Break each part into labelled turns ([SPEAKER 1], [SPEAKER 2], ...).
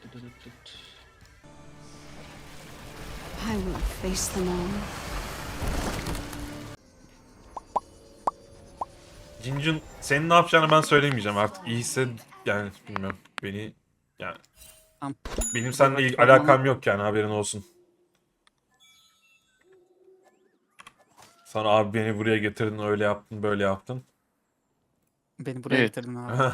[SPEAKER 1] I will face them all.
[SPEAKER 2] Cincun senin ne yapacağını ben söylemeyeceğim artık. İyiyse yani bilmiyorum. Beni yani
[SPEAKER 3] Tamam.
[SPEAKER 2] benim seninle
[SPEAKER 3] Bak,
[SPEAKER 2] alakam yok yani haberin olsun. Sana abi beni buraya getirdin öyle yaptın böyle yaptın.
[SPEAKER 3] Beni buraya
[SPEAKER 4] Evet.
[SPEAKER 3] getirdin abi.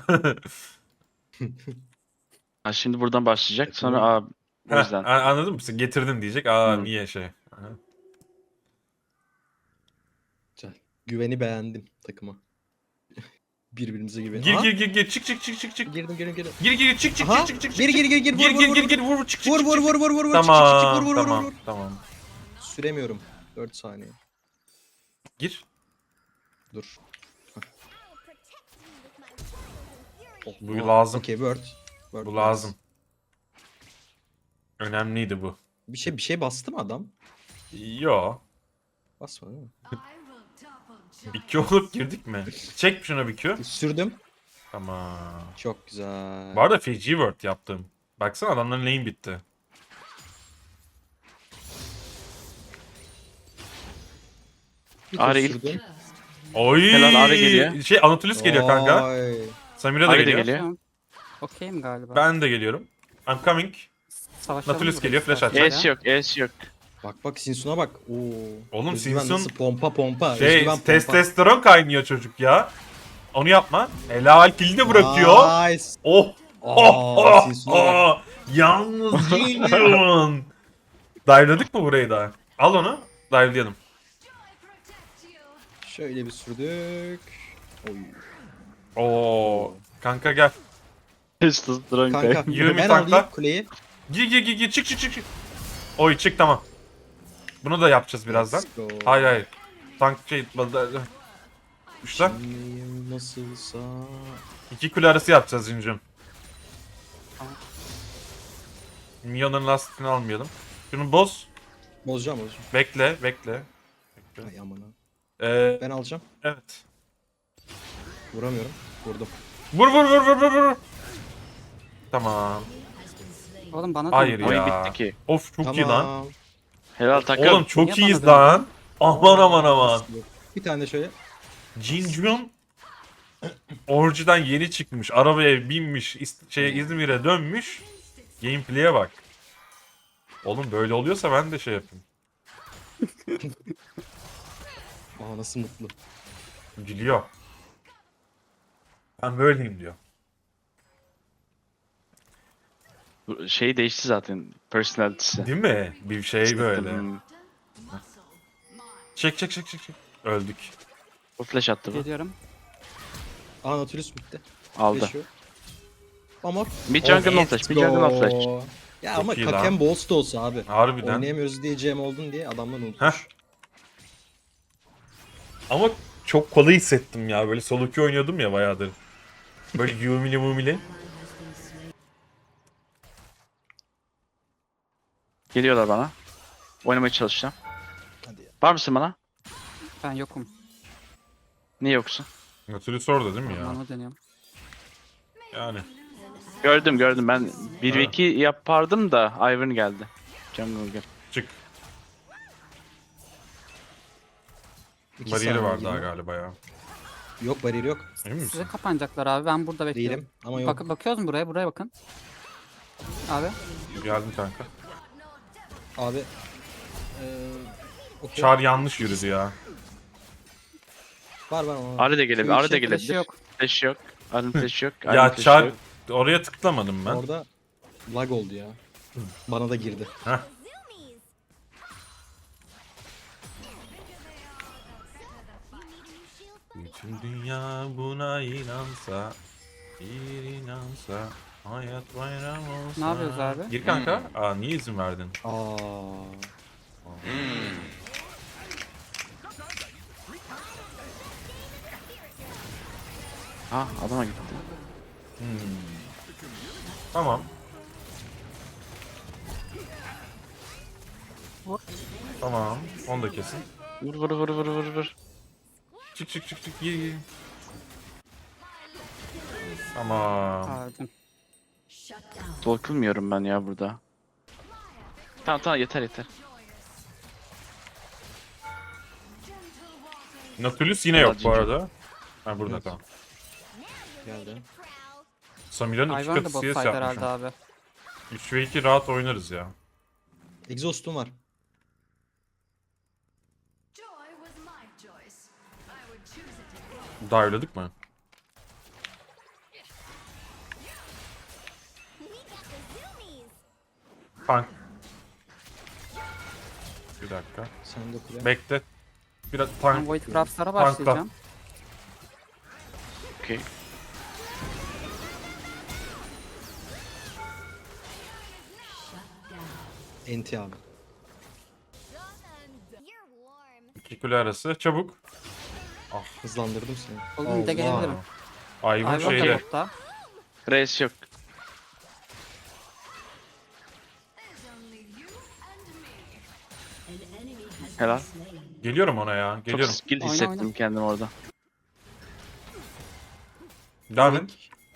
[SPEAKER 4] Ha, şimdi buradan başlayacak. Sonra
[SPEAKER 5] Takımı-
[SPEAKER 4] aa, o yüzden.
[SPEAKER 2] Anladın mı? Sen getirdin diyecek. Aa
[SPEAKER 4] Hı.
[SPEAKER 2] niye şey. Aha.
[SPEAKER 5] Güzel. Güveni beğendim takıma. Birbirimize güven.
[SPEAKER 2] Gir
[SPEAKER 5] Aha,
[SPEAKER 2] gir gir gir çık çık çık çık çık.
[SPEAKER 5] girdim.
[SPEAKER 2] Gir gir çık çık
[SPEAKER 5] Aha,
[SPEAKER 2] çık çık çık.
[SPEAKER 5] gir gir
[SPEAKER 2] gir
[SPEAKER 5] vur
[SPEAKER 2] gir
[SPEAKER 5] vur
[SPEAKER 2] gir
[SPEAKER 5] vur.
[SPEAKER 2] gir vur çık çık
[SPEAKER 5] Vur
[SPEAKER 2] çık.
[SPEAKER 5] vur
[SPEAKER 2] çık.
[SPEAKER 5] vur vur vur.
[SPEAKER 2] Tamam
[SPEAKER 5] Vur vur
[SPEAKER 2] tamam
[SPEAKER 5] vur.
[SPEAKER 2] tamam tamam.
[SPEAKER 5] Süremiyorum. 4 saniye.
[SPEAKER 2] Gir.
[SPEAKER 5] Dur.
[SPEAKER 2] Bu lazım.
[SPEAKER 5] Okey word. Word
[SPEAKER 2] Bu lazım. Önemliydi bu.
[SPEAKER 5] Bir şey bastı mı adam?
[SPEAKER 2] Yo.
[SPEAKER 5] Basmadı değil mi?
[SPEAKER 2] Bir Q olup girdik mi? Çek şuna bir Q.
[SPEAKER 5] Sürdüm.
[SPEAKER 2] Tamam.
[SPEAKER 5] Çok güzel.
[SPEAKER 2] Bu arada Fiji word yaptım. Baksana adamların lane bitti.
[SPEAKER 5] Bir tur
[SPEAKER 4] Ari ilk-
[SPEAKER 5] sürdüm.
[SPEAKER 2] Oy.
[SPEAKER 4] Helal, Ari geliyor.
[SPEAKER 2] Şey Anatolis geliyor kanka.
[SPEAKER 5] Vay.
[SPEAKER 2] Samira da
[SPEAKER 4] Ari de
[SPEAKER 2] geliyor.
[SPEAKER 4] geliyor.
[SPEAKER 3] Tamam. Okeyim galiba.
[SPEAKER 2] Ben de geliyorum. I'm coming.
[SPEAKER 3] Savaşalım
[SPEAKER 2] Nautilus
[SPEAKER 3] burayı
[SPEAKER 2] geliyor, flash
[SPEAKER 3] istersen
[SPEAKER 2] atacak.
[SPEAKER 4] Es
[SPEAKER 3] ya.
[SPEAKER 4] yok, es yok.
[SPEAKER 5] Bak Sinsun'a bak. Oo.
[SPEAKER 2] Oğlum,
[SPEAKER 5] Özgüven
[SPEAKER 2] Sinsun-
[SPEAKER 5] nasıl pompa.
[SPEAKER 2] Şey
[SPEAKER 5] Özgüven pompa.
[SPEAKER 2] testosteron kaynıyor çocuk ya. Onu yapma. Helal kilidi de bırakıyor.
[SPEAKER 5] Nice.
[SPEAKER 2] Oh. Oh.
[SPEAKER 5] Aa,
[SPEAKER 2] Oh.
[SPEAKER 5] Sinsun'a bak.
[SPEAKER 2] Oh. Yalnız Gideon. Dive'ladık mı burayı da? Al onu. Dive'layalım.
[SPEAKER 5] Şöyle bir sürdük. Oy.
[SPEAKER 2] Oo. Kanka gel.
[SPEAKER 4] Testosteron
[SPEAKER 5] Kanka
[SPEAKER 4] kanka.
[SPEAKER 2] Yürü,
[SPEAKER 5] ben
[SPEAKER 2] tankla.
[SPEAKER 5] alayım kuleyi.
[SPEAKER 2] Gir çık çık. Oy çık tamam. Bunu da yapacağız birazdan.
[SPEAKER 5] Let's go.
[SPEAKER 2] Hayır. Tank şey Uçlar.
[SPEAKER 5] Kimliğim nasılsa.
[SPEAKER 2] 2 kule arası yapacağız Cincim.
[SPEAKER 3] Tamam.
[SPEAKER 2] Minyonların lastikini almayalım. Şunu boz.
[SPEAKER 5] Bozacağım.
[SPEAKER 2] Bekle.
[SPEAKER 5] Ay aman ha.
[SPEAKER 2] Ee,
[SPEAKER 5] Ben alacağım.
[SPEAKER 2] evet.
[SPEAKER 5] Vuramıyorum. Vurdum.
[SPEAKER 2] Vur. Tamam.
[SPEAKER 3] Oğlum bana
[SPEAKER 2] Hayır
[SPEAKER 3] dön.
[SPEAKER 2] ya.
[SPEAKER 4] Oyun bitti ki.
[SPEAKER 2] Of çok iyi lan.
[SPEAKER 4] Helal takım.
[SPEAKER 2] Oğlum çok
[SPEAKER 3] Niye
[SPEAKER 2] iyiyiz
[SPEAKER 3] bana
[SPEAKER 2] lan. Aman.
[SPEAKER 5] Bir tane şöyle.
[SPEAKER 2] Jinjun Orji'den yeni çıkmış. Arabaya binmiş. İzmir'e dönmüş. Gameplay'e bak. Oğlum böyle oluyorsa ben de şey yapayım.
[SPEAKER 5] Aa nasıl mutlu.
[SPEAKER 2] Gülüyor. Ben böyleyim diyor.
[SPEAKER 4] Bu şey değişti zaten. Personality'si.
[SPEAKER 2] Değil mi? Bir şey böyle.
[SPEAKER 4] Hmm.
[SPEAKER 2] Çek. Öldük.
[SPEAKER 4] Bu flash attı bu.
[SPEAKER 3] Geliyorum.
[SPEAKER 5] Aa Nautilus bitti.
[SPEAKER 4] Aldı.
[SPEAKER 5] Yaşıyor. Ama
[SPEAKER 4] Mid jungle no flash. Mid jungle no flash.
[SPEAKER 5] Ya
[SPEAKER 2] Çok
[SPEAKER 5] ama
[SPEAKER 2] iyi lan.
[SPEAKER 5] Kaken Boss da olsa abi.
[SPEAKER 2] Harbiden.
[SPEAKER 5] Oynayamıyoruz diyeceğim oldun diye adamlar
[SPEAKER 2] Heh.
[SPEAKER 5] unutmuş.
[SPEAKER 2] Ama çok kolay hissettim ya. Böyle solo queue oynuyordum ya bayağıdır. Böyle yumili.
[SPEAKER 4] Geliyorlar bana. Oynamaya çalışacağım.
[SPEAKER 5] Hadi ya.
[SPEAKER 4] Var mısın bana?
[SPEAKER 3] Ben yokum.
[SPEAKER 4] Niye yoksun?
[SPEAKER 2] Nautilus orada değil mi ya?
[SPEAKER 3] Bana dönüyorum.
[SPEAKER 2] Yani.
[SPEAKER 4] Gördüm. Ben 1v2 yapardım da Ivern geldi. Jungle gel.
[SPEAKER 2] Çık.
[SPEAKER 5] İki
[SPEAKER 2] Bariyeri
[SPEAKER 5] saniye
[SPEAKER 2] var daha
[SPEAKER 5] gibi.
[SPEAKER 2] galiba ya.
[SPEAKER 5] Yok bariyeri yok.
[SPEAKER 2] Emin misin?
[SPEAKER 3] Size kapanacaklar abi. Ben burada bekliyorum.
[SPEAKER 5] Değilim ama yok.
[SPEAKER 3] Bakıyoruz mu buraya? Buraya bakın. Abi.
[SPEAKER 2] Geldim kanka.
[SPEAKER 5] Abi. Okey.
[SPEAKER 2] Çar yanlış yürüdü ya.
[SPEAKER 5] Var ama.
[SPEAKER 4] Arı da gelebilir.
[SPEAKER 5] Şu
[SPEAKER 4] Arı da
[SPEAKER 5] işe
[SPEAKER 4] gelebilir.
[SPEAKER 3] Flash'ı yok.
[SPEAKER 4] Flash yok. Arın flash yok. Arın
[SPEAKER 2] Ya
[SPEAKER 4] flash
[SPEAKER 2] Çar
[SPEAKER 4] yok.
[SPEAKER 2] oraya tıklamadım ben.
[SPEAKER 5] Orada lag oldu ya. Bana da girdi.
[SPEAKER 2] Heh. Bütün dünya buna inansa, bir inansa, hayat bayram olsa.
[SPEAKER 3] Ne yapıyoruz abi?
[SPEAKER 2] Gir kanka. Aa niye izin verdin?
[SPEAKER 5] Aa.
[SPEAKER 4] Ha adama gitti.
[SPEAKER 2] Tamam.
[SPEAKER 3] Vur.
[SPEAKER 2] Tamam. Onu da kesin.
[SPEAKER 4] Vur.
[SPEAKER 2] Çık. Gir. Tamam.
[SPEAKER 3] Pardon.
[SPEAKER 4] Dokunmuyorum ben ya burada. Tamam yeter yeter.
[SPEAKER 2] Nautilus yine yok bu
[SPEAKER 4] Ginger.
[SPEAKER 2] arada. Ha burada
[SPEAKER 5] Evet.
[SPEAKER 2] tamam.
[SPEAKER 5] Geldi.
[SPEAKER 2] Samira'nın 2
[SPEAKER 3] Ivern da
[SPEAKER 2] katı
[SPEAKER 3] bot
[SPEAKER 2] CS
[SPEAKER 3] side herhalde
[SPEAKER 2] yapmışım.
[SPEAKER 3] abi.
[SPEAKER 2] 3 ve 2 rahat oynarız ya.
[SPEAKER 5] Exhaust'um var.
[SPEAKER 2] Dive'ladık mı? Tank. Bir dakika.
[SPEAKER 5] Sen de kule.
[SPEAKER 2] Bekle. Biraz
[SPEAKER 3] Ben
[SPEAKER 2] tank.
[SPEAKER 3] Void Crafts'lara
[SPEAKER 2] Tankla.
[SPEAKER 3] başlayacağım.
[SPEAKER 4] Okey.
[SPEAKER 5] Enti abi.
[SPEAKER 2] 2 kule arası. Çabuk.
[SPEAKER 5] Hızlandırdım seni.
[SPEAKER 3] Oğlum bir de gelebilirim.
[SPEAKER 2] Ivern
[SPEAKER 3] Ivern da
[SPEAKER 2] şeyde.
[SPEAKER 3] botta.
[SPEAKER 4] Reis yok. Helal.
[SPEAKER 2] Geliyorum ona ya.
[SPEAKER 4] Çok
[SPEAKER 2] Geliyorum.
[SPEAKER 4] skill
[SPEAKER 3] Oyna,
[SPEAKER 4] hissettim
[SPEAKER 3] oyna.
[SPEAKER 4] kendimi orada.
[SPEAKER 2] Devam et.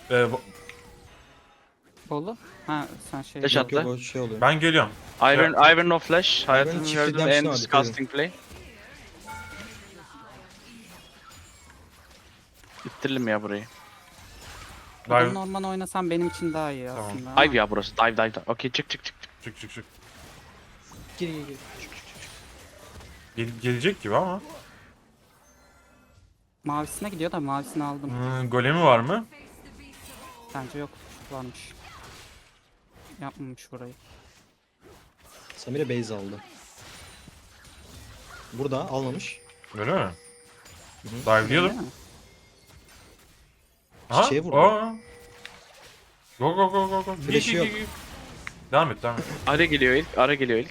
[SPEAKER 3] Bolu. Ha sen şey.
[SPEAKER 4] Flash
[SPEAKER 5] Yok yok
[SPEAKER 4] attı.
[SPEAKER 5] o şey oluyor.
[SPEAKER 2] Ben geliyorum.
[SPEAKER 4] Iron no flash. Hayatımda
[SPEAKER 5] çift
[SPEAKER 4] gördüğüm
[SPEAKER 5] redemption
[SPEAKER 4] en
[SPEAKER 5] var,
[SPEAKER 4] disgusting play. İttirelim ya burayı.
[SPEAKER 3] Buradan
[SPEAKER 2] Dive.
[SPEAKER 3] normal oynasam benim için daha iyi
[SPEAKER 2] Tamam.
[SPEAKER 3] aslında. ama
[SPEAKER 4] Dive ya burası. Dive. Okey çık.
[SPEAKER 2] Çık çık çık.
[SPEAKER 5] Gir gir gir.
[SPEAKER 2] Gelecek gibi ama.
[SPEAKER 3] Mavisine gidiyor da mavisini aldım.
[SPEAKER 2] Golemi var mı?
[SPEAKER 3] Bence yok. Varmış. Yapmamış burayı.
[SPEAKER 5] Samira base aldı. Burada almamış.
[SPEAKER 2] Öyle mi?
[SPEAKER 3] Değil
[SPEAKER 2] Dive'layalım.
[SPEAKER 3] mi?
[SPEAKER 2] Ha?
[SPEAKER 5] Çiçeğe vurdu.
[SPEAKER 2] Aa. Go.
[SPEAKER 5] Flash'ı yok.
[SPEAKER 2] Devam et.
[SPEAKER 4] Ara geliyor ilk.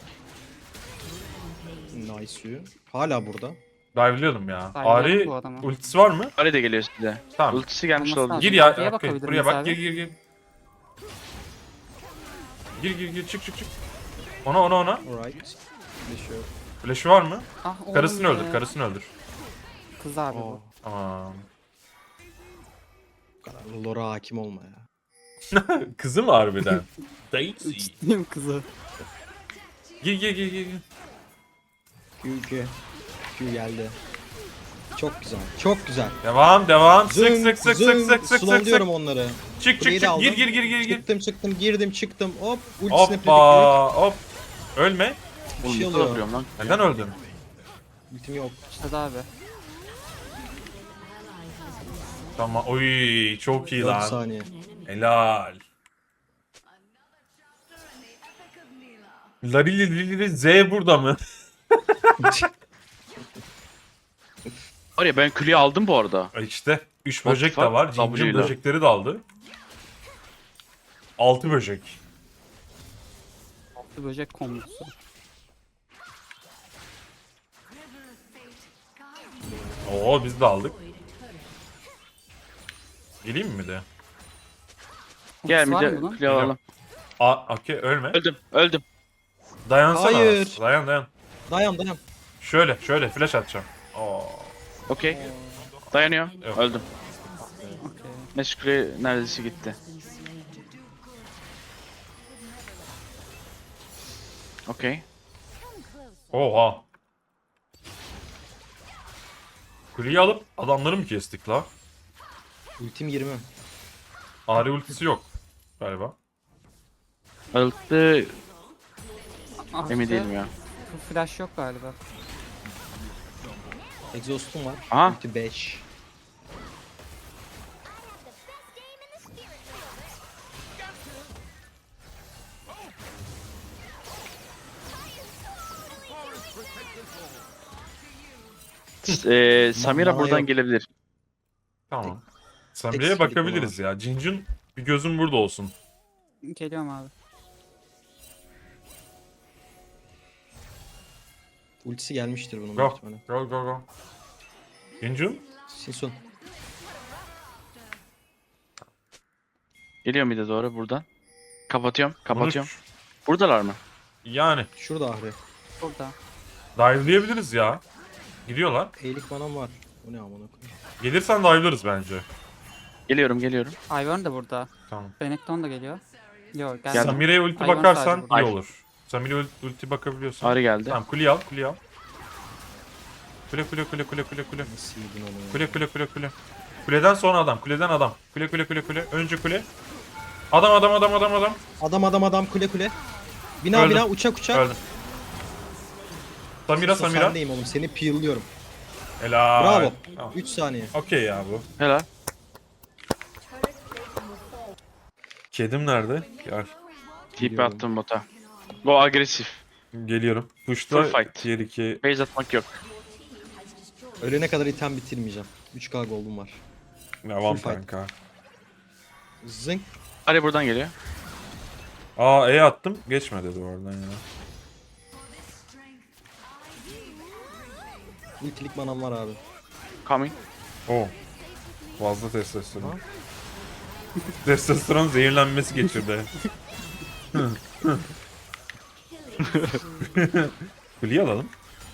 [SPEAKER 5] Nice suyu. Hala burada.
[SPEAKER 2] Dive'layalım ya.
[SPEAKER 3] Dive'layalım
[SPEAKER 2] Ari
[SPEAKER 3] bu adamı.
[SPEAKER 2] ultisi var mı?
[SPEAKER 4] Ara da geliyor size.
[SPEAKER 2] Tamam.
[SPEAKER 4] Ultisi gelmiş
[SPEAKER 3] Olması
[SPEAKER 4] oldu.
[SPEAKER 3] lazım.
[SPEAKER 2] Gir ya.
[SPEAKER 3] Buraya
[SPEAKER 2] Okey,
[SPEAKER 3] bakabilir
[SPEAKER 2] buraya
[SPEAKER 3] miyiz
[SPEAKER 2] bak.
[SPEAKER 3] abi?
[SPEAKER 2] Gir. Gir. Çık. Ona.
[SPEAKER 5] Alright. Flash yok.
[SPEAKER 2] Flash'ı var mı?
[SPEAKER 3] Ah, oğlum
[SPEAKER 2] Karısını
[SPEAKER 3] be.
[SPEAKER 2] öldür.
[SPEAKER 3] Kız abi
[SPEAKER 5] Oo.
[SPEAKER 3] bu.
[SPEAKER 2] Tamam.
[SPEAKER 5] Bu kadar lore hakim olma ya.
[SPEAKER 2] Kızı mı harbiden? Daisy.
[SPEAKER 3] Ciddiyim kızı.
[SPEAKER 2] Gir.
[SPEAKER 5] Q geldi. Çok güzel. Çok güzel.
[SPEAKER 2] Devam. Sık.
[SPEAKER 5] Slowluyorum onları.
[SPEAKER 2] Çık.
[SPEAKER 5] Kuleyi de aldım.
[SPEAKER 2] Gir.
[SPEAKER 5] Çıktım girdim çıktım. Hop. Ultisine
[SPEAKER 2] Hoppa. Hop. Ölme.
[SPEAKER 5] Bir
[SPEAKER 4] Oğlum
[SPEAKER 5] şey
[SPEAKER 4] ne kadar
[SPEAKER 5] oluyor.
[SPEAKER 4] vuruyorum lan.
[SPEAKER 2] Neden öldün?
[SPEAKER 5] Ultim yok.
[SPEAKER 3] İşte abi.
[SPEAKER 2] Tamam. Oy çok iyi
[SPEAKER 5] 4
[SPEAKER 2] lan.
[SPEAKER 5] saniye.
[SPEAKER 2] Helal. Larili Z burada mı?
[SPEAKER 4] Var ya ben külüyü aldım bu arada.
[SPEAKER 2] İşte 3
[SPEAKER 4] What
[SPEAKER 2] böcek
[SPEAKER 4] the
[SPEAKER 2] de
[SPEAKER 4] fuck?
[SPEAKER 2] var. Cincin
[SPEAKER 4] W'yle.
[SPEAKER 2] böcekleri de aldı. 6 böcek.
[SPEAKER 3] Bir böcek kombosu.
[SPEAKER 2] Oo biz de aldık. Geleyim mi de?
[SPEAKER 4] Gel
[SPEAKER 3] Var
[SPEAKER 4] bir
[SPEAKER 3] mı
[SPEAKER 4] de
[SPEAKER 3] bunun?
[SPEAKER 4] külüyü alalım.
[SPEAKER 2] Okey ölme.
[SPEAKER 4] Öldüm.
[SPEAKER 2] Dayansana.
[SPEAKER 5] Hayır.
[SPEAKER 2] Dayan.
[SPEAKER 5] Dayan.
[SPEAKER 2] Şöyle flash atacağım. Oo.
[SPEAKER 4] Okey. Dayanıyor.
[SPEAKER 2] Yok.
[SPEAKER 4] Öldüm.
[SPEAKER 3] Okey.
[SPEAKER 4] Meşgule neredeyse gitti. Okey.
[SPEAKER 2] Oha. Kuleyi alıp adamları mı kestik la?
[SPEAKER 5] Ultim 20.
[SPEAKER 2] Ari ultisi yok galiba.
[SPEAKER 4] Öldü.
[SPEAKER 3] Ah,
[SPEAKER 4] Emin
[SPEAKER 3] işte
[SPEAKER 4] değilim ya.
[SPEAKER 3] Flash yok galiba.
[SPEAKER 5] Exhaust'um var.
[SPEAKER 4] Aha.
[SPEAKER 5] Ulti 5.
[SPEAKER 4] Samira
[SPEAKER 5] Bana
[SPEAKER 4] buradan
[SPEAKER 5] yok.
[SPEAKER 4] gelebilir.
[SPEAKER 2] Tamam.
[SPEAKER 5] Tek
[SPEAKER 2] Samiri'ye
[SPEAKER 5] skill'lik
[SPEAKER 2] bakabiliriz ya. Cincin bir gözüm burada olsun.
[SPEAKER 3] Geliyorum abi.
[SPEAKER 5] Ultisi gelmiştir bunun.
[SPEAKER 2] Go.
[SPEAKER 5] büyük ihtimalle.
[SPEAKER 2] Go. Cincin?
[SPEAKER 5] Sinsun.
[SPEAKER 4] Geliyor bir de doğru buradan. Kapatıyorum.
[SPEAKER 2] Bunu
[SPEAKER 4] Buradalar mı?
[SPEAKER 2] yani
[SPEAKER 5] Şurada Ahri.
[SPEAKER 3] Burada.
[SPEAKER 2] dive'layabiliriz ya. Gidiyorlar.
[SPEAKER 5] Eğilik manam var. Bu ne amına koyayım.
[SPEAKER 2] Gelirsen dive'larız bence.
[SPEAKER 4] Geliyorum.
[SPEAKER 3] Ivern de burada.
[SPEAKER 2] Tamam.
[SPEAKER 3] Benekton da geliyor. Yok
[SPEAKER 4] Geldim.
[SPEAKER 3] geldim.
[SPEAKER 2] Samire'ye ulti
[SPEAKER 3] Hayvan
[SPEAKER 2] bakarsan
[SPEAKER 3] sadece burada.
[SPEAKER 2] iyi olur. Samire ulti bakabiliyorsan.
[SPEAKER 4] Ari geldi.
[SPEAKER 2] Tamam kuleyi al, kuleyi al. Kule.
[SPEAKER 5] Nasıl yedin onu?
[SPEAKER 2] Kule. Kuleden sonra adam, kuleden adam. Kule. Önce kule. Adam.
[SPEAKER 5] Adam kule. Bina
[SPEAKER 2] Öldüm.
[SPEAKER 5] bina uçak.
[SPEAKER 2] Öldüm. Samira.
[SPEAKER 5] Sendeyim oğlum seni peel'lıyorum.
[SPEAKER 2] Helal.
[SPEAKER 5] Bravo.
[SPEAKER 2] Tamam.
[SPEAKER 5] 3 saniye.
[SPEAKER 2] Okey ya bu.
[SPEAKER 4] Helal.
[SPEAKER 2] Kedim nerede? Gel.
[SPEAKER 4] TP attım bota. Go agresif.
[SPEAKER 2] Geliyorum. Push'ta
[SPEAKER 4] Full fight.
[SPEAKER 2] tier 2.
[SPEAKER 4] Base atmak yok.
[SPEAKER 5] Ölene kadar item bitirmeyeceğim. 3k gold'um var.
[SPEAKER 2] Devam
[SPEAKER 5] Full fight.
[SPEAKER 2] kanka.
[SPEAKER 5] Zınk.
[SPEAKER 4] Ari buradan geliyor.
[SPEAKER 2] Aa E attım. Geçme dedi oradan ya.
[SPEAKER 5] Ultilik manam var abi.
[SPEAKER 4] Coming.
[SPEAKER 2] Oo. Fazla testosteron. Testosteron zehirlenmesi geçirdi. Kuleyi alalım.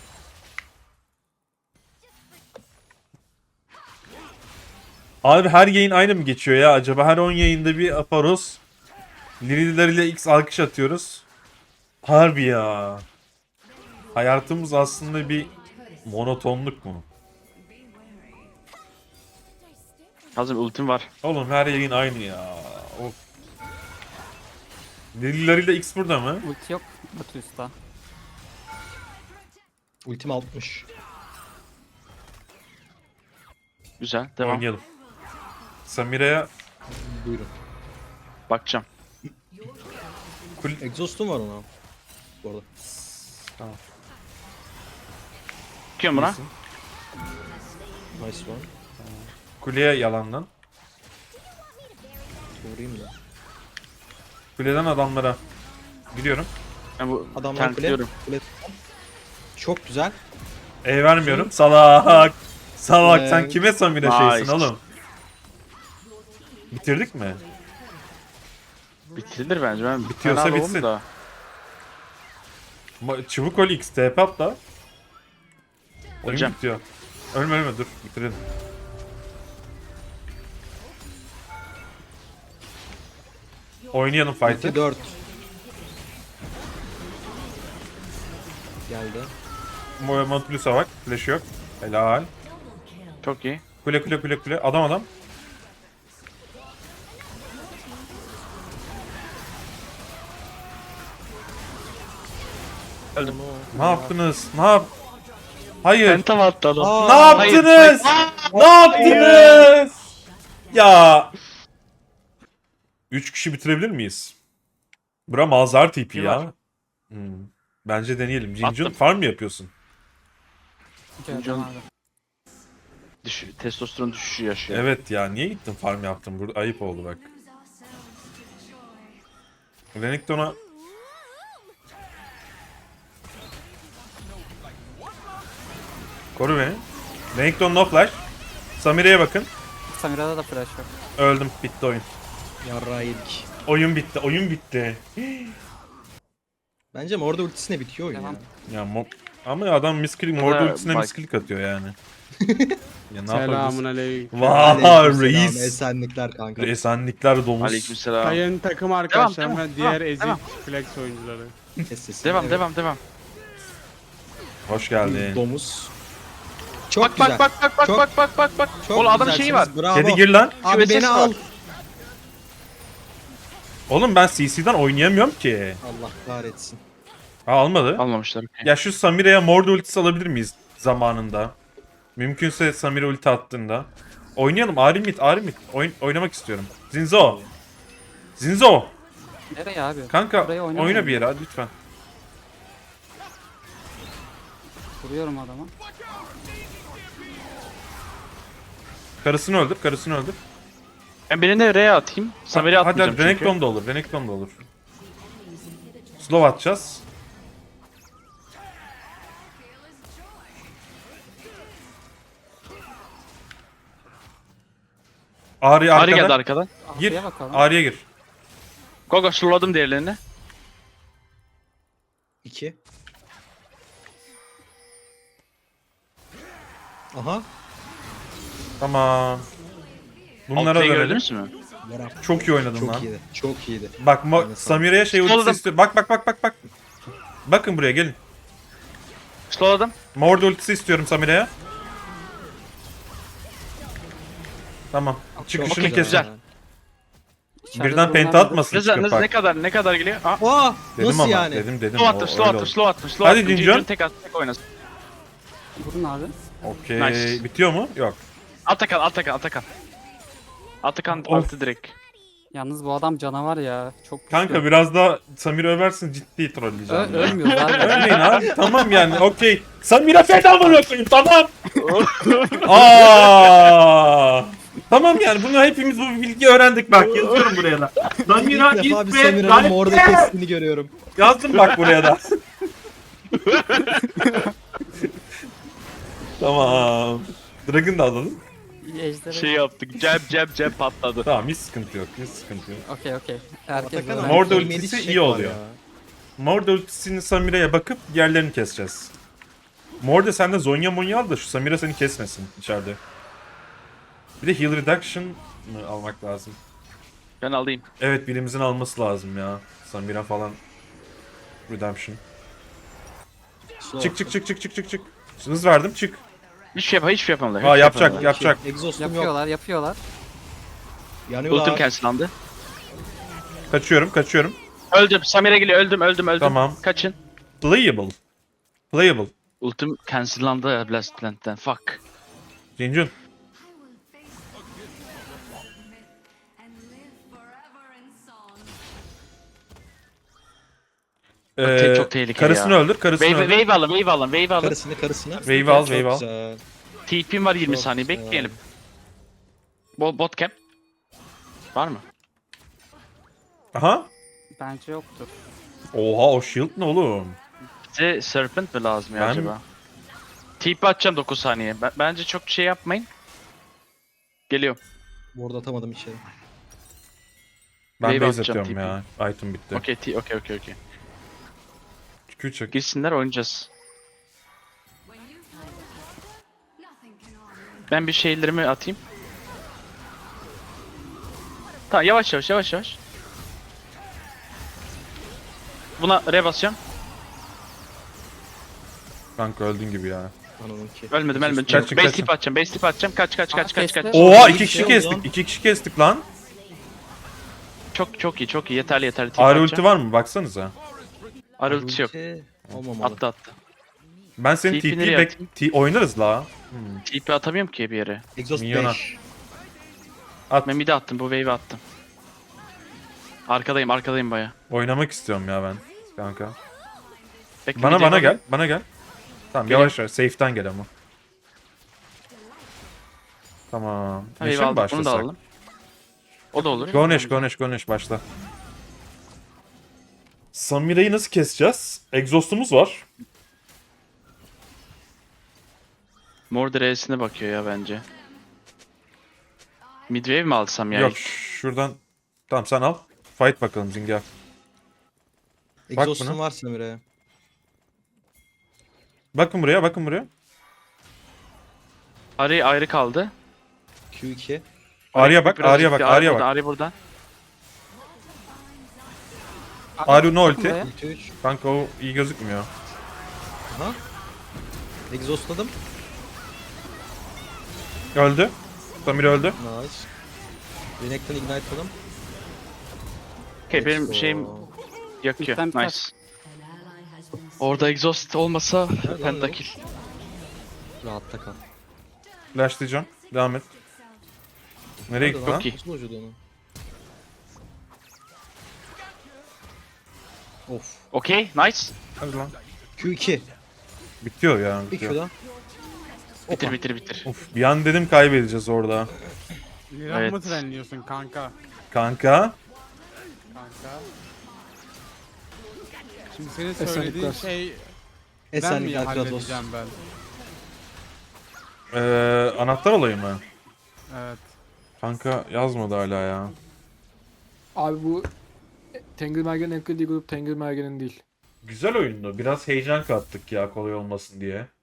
[SPEAKER 2] Abi her yayın aynı mı geçiyor ya acaba? Her 10 yayında bir Aparos. Lirileriyle X alkış atıyoruz. Harbi ya. Hayatımız aslında bir monotonluk mu?
[SPEAKER 4] Hazır ultim var.
[SPEAKER 2] Oğlum her yayın aynı ya. Of. Lirileriyle X burada mı?
[SPEAKER 3] Ulti yok. Batu usta.
[SPEAKER 5] Ultim 60.
[SPEAKER 4] Güzel. Devam.
[SPEAKER 2] Oynayalım. Samire'ye
[SPEAKER 5] Buyurun.
[SPEAKER 4] Bakacağım.
[SPEAKER 5] Exhaust'um var ona. Bu arada.
[SPEAKER 4] Bakıyorum buna.
[SPEAKER 5] Nice one.
[SPEAKER 2] kuleye yalandan.
[SPEAKER 5] Vurayım da.
[SPEAKER 2] Kuleden adamlara gidiyorum.
[SPEAKER 4] Ben bu
[SPEAKER 5] Adamlar kule.
[SPEAKER 4] tanklıyorum.
[SPEAKER 5] Kule. Çok güzel.
[SPEAKER 2] E vermiyorum. Salak. Salak sen
[SPEAKER 5] Ee,
[SPEAKER 2] kime Samire
[SPEAKER 4] nice.
[SPEAKER 2] şeysin oğlum? Bitirdik mi?
[SPEAKER 4] Bitirilir bence. Ben
[SPEAKER 2] Bitiyorsa
[SPEAKER 4] fena
[SPEAKER 2] bitsin.
[SPEAKER 4] doğum da.
[SPEAKER 2] Çubuk ol X TP at da. Oyun
[SPEAKER 4] Öleceğim.
[SPEAKER 2] bitiyor. Ölme dur bitirelim. Oynayalım
[SPEAKER 5] Ulti
[SPEAKER 2] fight'ı.
[SPEAKER 5] 4. Geldi.
[SPEAKER 2] Montplus'a bak. Flash yok. Helal.
[SPEAKER 4] Çok iyi.
[SPEAKER 2] Kule. Adam.
[SPEAKER 4] Öldüm.
[SPEAKER 2] Ne yaptınız? Hayır.
[SPEAKER 4] Penta mı attı adam?
[SPEAKER 5] Aa,
[SPEAKER 2] Ne
[SPEAKER 4] Hayır,
[SPEAKER 2] yaptınız? Ne yaptınız? Ya. 3 kişi bitirebilir miyiz? Bura Malzar tipi
[SPEAKER 4] Bir
[SPEAKER 2] ya.
[SPEAKER 4] var.
[SPEAKER 2] Bence deneyelim. Cincun
[SPEAKER 4] Attım.
[SPEAKER 2] farm mı yapıyorsun?
[SPEAKER 3] Gördüm abi.
[SPEAKER 4] Testosteron düşüşü yaşıyor.
[SPEAKER 2] Evet ya niye gittin farm yaptın? Burada ayıp oldu bak. Renekton'a koru beni. Renekton no flash. Samire'ye bakın.
[SPEAKER 3] Samira'da da flash yok.
[SPEAKER 2] Öldüm. Bitti oyun.
[SPEAKER 5] Yarrağı yedik.
[SPEAKER 2] Oyun bitti.
[SPEAKER 5] Bence orada ultisine bitiyor oyun
[SPEAKER 3] Devam.
[SPEAKER 5] ya.
[SPEAKER 2] Ya ama adam misklik, Mordor ultisine
[SPEAKER 4] bak-
[SPEAKER 2] misklik atıyor yani. Ya ne
[SPEAKER 6] Selamun
[SPEAKER 2] yapabiliriz?
[SPEAKER 6] aleyküm.
[SPEAKER 2] Vay
[SPEAKER 5] Aleykümselam,
[SPEAKER 2] reis.
[SPEAKER 5] Esenlikler kanka.
[SPEAKER 2] Esenlikler domuz.
[SPEAKER 4] Aleykümselam.
[SPEAKER 6] Sayın takım arkadaşlarım
[SPEAKER 4] devam,
[SPEAKER 6] ve diğer
[SPEAKER 4] devam,
[SPEAKER 6] ezik
[SPEAKER 4] devam.
[SPEAKER 6] flex oyuncuları.
[SPEAKER 5] Kes sesini.
[SPEAKER 4] Devam
[SPEAKER 5] Evet.
[SPEAKER 4] devam.
[SPEAKER 2] Hoş geldin.
[SPEAKER 5] Domuz. Çok
[SPEAKER 4] Bak
[SPEAKER 5] güzel.
[SPEAKER 4] bak.
[SPEAKER 5] Çok
[SPEAKER 4] Oğlum adamın şeyi var.
[SPEAKER 5] güzelsiniz, Bravo.
[SPEAKER 2] Kedi gir lan.
[SPEAKER 5] Abi
[SPEAKER 4] QSS
[SPEAKER 5] beni
[SPEAKER 4] var.
[SPEAKER 5] al.
[SPEAKER 2] Oğlum ben CC'den oynayamıyorum ki.
[SPEAKER 5] Allah kahretsin.
[SPEAKER 2] Almadı.
[SPEAKER 4] Almamışlar. okey.
[SPEAKER 2] Ya şu Samire'ye Mordor ultisi alabilir miyiz zamanında? Mümkünse Samire ulti attığında. Oynayalım. Arimit. Oynamak istiyorum. Zinzo.
[SPEAKER 3] Nereye abi?
[SPEAKER 2] Kanka
[SPEAKER 3] Buraya oynamayalım.
[SPEAKER 2] oyna bir yere hadi lütfen.
[SPEAKER 3] Vuruyorum adama.
[SPEAKER 2] Karısını öldür.
[SPEAKER 4] Ben birine R'ye atayım. Samir'e
[SPEAKER 2] Hadi
[SPEAKER 4] atmayacağım çünkü.
[SPEAKER 2] Renekton da olur. Slow atacağız. Ari
[SPEAKER 4] Ari geldi
[SPEAKER 2] arkada.
[SPEAKER 4] arkadan.
[SPEAKER 2] Gir.
[SPEAKER 3] Arkaya bakalım.
[SPEAKER 2] Ari'ye gir.
[SPEAKER 4] Gogo slowladım diğerlerini.
[SPEAKER 5] 2. Aha.
[SPEAKER 2] Tamam. Bunlara
[SPEAKER 4] Altayı
[SPEAKER 2] dönelim.
[SPEAKER 4] gördünüz mü?
[SPEAKER 5] Bora.
[SPEAKER 2] Çok iyi oynadın lan.
[SPEAKER 5] Çok iyiydi. Çok iyiydi.
[SPEAKER 2] Bak
[SPEAKER 5] Aynen,
[SPEAKER 2] Samira'ya şey ultisi
[SPEAKER 4] Slowladım.
[SPEAKER 2] istiyor. Bak. Bakın buraya gelin.
[SPEAKER 4] Slowladım.
[SPEAKER 2] Mord ultisi istiyorum Samira'ya. Tamam. Çıkışını
[SPEAKER 4] Okey,
[SPEAKER 2] kesin.
[SPEAKER 4] güzel.
[SPEAKER 3] İçeride
[SPEAKER 2] Birden
[SPEAKER 3] durumlar
[SPEAKER 2] penta
[SPEAKER 3] nedir?
[SPEAKER 2] atmasın
[SPEAKER 4] Ne,
[SPEAKER 2] çıkıp bak.
[SPEAKER 4] ne kadar geliyor? Aa,
[SPEAKER 5] Aa,
[SPEAKER 2] Dedim
[SPEAKER 5] nasıl
[SPEAKER 2] ama
[SPEAKER 5] yani?
[SPEAKER 2] dedim.
[SPEAKER 4] slow attım,
[SPEAKER 2] O
[SPEAKER 4] slow
[SPEAKER 2] öyle
[SPEAKER 4] attım,
[SPEAKER 2] oldu.
[SPEAKER 4] slow attım, slow
[SPEAKER 2] Hadi
[SPEAKER 4] attım.
[SPEAKER 2] Cincon.
[SPEAKER 4] Cincon tek at, tek oynasın.
[SPEAKER 3] Vurun abi.
[SPEAKER 2] Okey.
[SPEAKER 4] Nice.
[SPEAKER 2] Bitiyor mu? Yok.
[SPEAKER 4] Atakan. Atakan
[SPEAKER 2] Of.
[SPEAKER 4] altı direkt.
[SPEAKER 3] Yalnız bu adam canavar ya. Çok güçlü.
[SPEAKER 2] Kanka biraz daha Samira översin ciddi trolleyeceğim.
[SPEAKER 3] Ölmüyoruz abi.
[SPEAKER 2] Ölmeyin abi. Tamam yani okey. Samira feda bırakayım tamam. Aa. Tamam yani bunu hepimiz bu bilgiyi öğrendik bak yazıyorum buraya da. Samira
[SPEAKER 5] İlk defa bir
[SPEAKER 2] is
[SPEAKER 5] Samira'nın
[SPEAKER 2] bad.
[SPEAKER 5] orada kestiğini görüyorum.
[SPEAKER 2] Yazdım bak buraya da. Tamam. Dragon da alalım.
[SPEAKER 3] Ejderha.
[SPEAKER 4] Şey yaptık, cep patladı.
[SPEAKER 2] Tamam hiç sıkıntı yok.
[SPEAKER 3] Okey. Herkes
[SPEAKER 5] Atakan
[SPEAKER 3] öğrendi.
[SPEAKER 5] abi,
[SPEAKER 2] Mor da
[SPEAKER 5] kıymetli
[SPEAKER 2] ultisi
[SPEAKER 5] çiçek
[SPEAKER 2] iyi
[SPEAKER 5] var
[SPEAKER 2] oluyor.
[SPEAKER 5] ya.
[SPEAKER 2] Mord ultisini Samira'ya bakıp yerlerini keseceğiz. Mord sen de Zonya Monya al da şu Samira seni kesmesin içeride. Bir de heal reduction mı almak lazım?
[SPEAKER 4] Ben alayım.
[SPEAKER 2] Evet birimizin alması lazım ya. Samira falan. Redemption.
[SPEAKER 5] Slow.
[SPEAKER 2] Çık. Hız verdim çık.
[SPEAKER 4] Hiçbir şey yapamadılar.
[SPEAKER 2] Aa yapacak.
[SPEAKER 5] Exhaust'um yok.
[SPEAKER 3] Yapıyorlar.
[SPEAKER 5] Yanıyorlar.
[SPEAKER 4] Ultim cancellandı.
[SPEAKER 2] Kaçıyorum.
[SPEAKER 4] Öldüm. Samira geliyor. Öldüm.
[SPEAKER 2] Tamam.
[SPEAKER 4] Kaçın.
[SPEAKER 2] Playable.
[SPEAKER 4] Ultim cancellandı ya Blast Plant'ten. Fuck.
[SPEAKER 2] Cincun.
[SPEAKER 4] Çok tehlikeli
[SPEAKER 2] karısını
[SPEAKER 4] ya.
[SPEAKER 2] öldür.
[SPEAKER 4] Wave alın.
[SPEAKER 5] Karısını.
[SPEAKER 2] Wave al.
[SPEAKER 5] Çok güzel.
[SPEAKER 4] TP'm var 20
[SPEAKER 5] Çok
[SPEAKER 4] saniye.
[SPEAKER 5] güzel.
[SPEAKER 4] Bekleyelim. Bot cap. Var mı?
[SPEAKER 2] Aha.
[SPEAKER 3] Bence yoktur.
[SPEAKER 2] Oha o shield ne oğlum?
[SPEAKER 4] Bize Serpent mi lazım ya
[SPEAKER 2] Ben-
[SPEAKER 4] acaba? TP atacağım 9 saniye. Bence çok şey yapmayın. Geliyorum.
[SPEAKER 5] Bu arada atamadım içeri.
[SPEAKER 2] Ben
[SPEAKER 4] Wave
[SPEAKER 2] base
[SPEAKER 4] atacağım,
[SPEAKER 2] atıyorum ya. Item bitti.
[SPEAKER 4] Okey.
[SPEAKER 2] Küçük.
[SPEAKER 4] Girsinler oynayacağız. Ben bir şeylerimi atayım. Tamam yavaş. Buna re basacağım.
[SPEAKER 2] Kanka öldün gibi ya.
[SPEAKER 5] Anonunki.
[SPEAKER 4] Ölmedim.
[SPEAKER 2] Kaçın.
[SPEAKER 4] Base tip atacağım. Kaç.
[SPEAKER 3] kesti.
[SPEAKER 2] Oha
[SPEAKER 5] iyi
[SPEAKER 2] 2
[SPEAKER 5] bir
[SPEAKER 2] kişi
[SPEAKER 5] şey
[SPEAKER 2] kestik.
[SPEAKER 5] oldu lan.
[SPEAKER 2] 2 kişi kestik lan.
[SPEAKER 4] Çok iyi. Yeterli. Tip
[SPEAKER 2] Ağrı
[SPEAKER 4] atacağım.
[SPEAKER 2] ulti var mı? Baksanıza.
[SPEAKER 4] Ağrı ulti yok.
[SPEAKER 5] Olmamalı.
[SPEAKER 4] Attı.
[SPEAKER 2] Ben senin
[SPEAKER 4] TP
[SPEAKER 2] TP'yi
[SPEAKER 4] nereye
[SPEAKER 2] oynarız la.
[SPEAKER 4] TP atamıyorum ki bir yere.
[SPEAKER 5] Exhaust
[SPEAKER 2] Minyona.
[SPEAKER 5] 5.
[SPEAKER 2] At.
[SPEAKER 4] Ben mid'e attım. Bu wave'i attım. Arkadayım baya.
[SPEAKER 2] Oynamak istiyorum ya ben. Kanka.
[SPEAKER 4] Bekle,
[SPEAKER 2] Bana
[SPEAKER 4] mid'e
[SPEAKER 2] gel. Bana gel. Tamam
[SPEAKER 4] Geliyorum.
[SPEAKER 2] yavaş. Safe'den gel ama. Tamam.
[SPEAKER 4] Ha,
[SPEAKER 2] Neşe
[SPEAKER 4] wave
[SPEAKER 2] mi
[SPEAKER 4] aldım. Bunu da
[SPEAKER 2] başlasak?
[SPEAKER 4] alalım. O da olur.
[SPEAKER 2] Gonesh başla. Samira'yı nasıl keseceğiz? Exhaust'umuz var.
[SPEAKER 4] Mor D'sine bakıyor ya bence. Midwave mi alsam ya?
[SPEAKER 2] Yok şuradan. Tamam sen al. Fight bakalım Zinga.
[SPEAKER 5] Exhaust'um
[SPEAKER 2] buna.
[SPEAKER 5] var Samira'ya.
[SPEAKER 2] Bakın buraya.
[SPEAKER 4] Ayrı kaldı.
[SPEAKER 5] Q2.
[SPEAKER 2] Arya bak.
[SPEAKER 4] Biraz gitti.
[SPEAKER 2] Arya bak.
[SPEAKER 4] Arya burada.
[SPEAKER 2] Arya no ulti.
[SPEAKER 3] Buraya.
[SPEAKER 5] Ulti 3.
[SPEAKER 2] Kanka o iyi gözükmüyor.
[SPEAKER 5] Aha. Exhaustladım.
[SPEAKER 2] Öldü. Samira öldü.
[SPEAKER 5] Nice. Renekton ignite'ladım.
[SPEAKER 4] Okey benim
[SPEAKER 5] Let's
[SPEAKER 4] şeyim
[SPEAKER 5] go.
[SPEAKER 4] yakıyor.
[SPEAKER 3] Lütfen biter.
[SPEAKER 4] Nice. Orada exhaust olmasa
[SPEAKER 5] Nerede lan
[SPEAKER 4] pentakill.
[SPEAKER 5] Rahatta kal.
[SPEAKER 2] Flashlayacağım. Devam et. Nereye
[SPEAKER 5] Nerede
[SPEAKER 2] gitti lan?
[SPEAKER 4] Çok iyi.
[SPEAKER 5] Nasıl vücudu onu? Of.
[SPEAKER 4] Okey nice.
[SPEAKER 2] Hadi lan.
[SPEAKER 5] Q2.
[SPEAKER 2] Bitiyor ya.
[SPEAKER 5] Bir
[SPEAKER 2] Bitiyor.
[SPEAKER 5] Q'dan.
[SPEAKER 4] Bitir.
[SPEAKER 2] Of bir an dedim kaybedeceğiz orada.
[SPEAKER 6] Liran
[SPEAKER 4] Evet.
[SPEAKER 6] mı trenliyorsun kanka?
[SPEAKER 2] Kanka.
[SPEAKER 6] Şimdi senin söylediğin şey ben mi
[SPEAKER 5] Esenlikler Kratos.
[SPEAKER 6] halledeceğim ben?
[SPEAKER 2] Anahtar olayı mı?
[SPEAKER 6] Evet.
[SPEAKER 2] Kanka yazmadı hala ya.
[SPEAKER 7] Abi bu Tengelmergen'in en kritiği grup Tengelmergen'in değil.
[SPEAKER 2] Güzel oyundu. Biraz heyecan kattık ya kolay olmasın diye.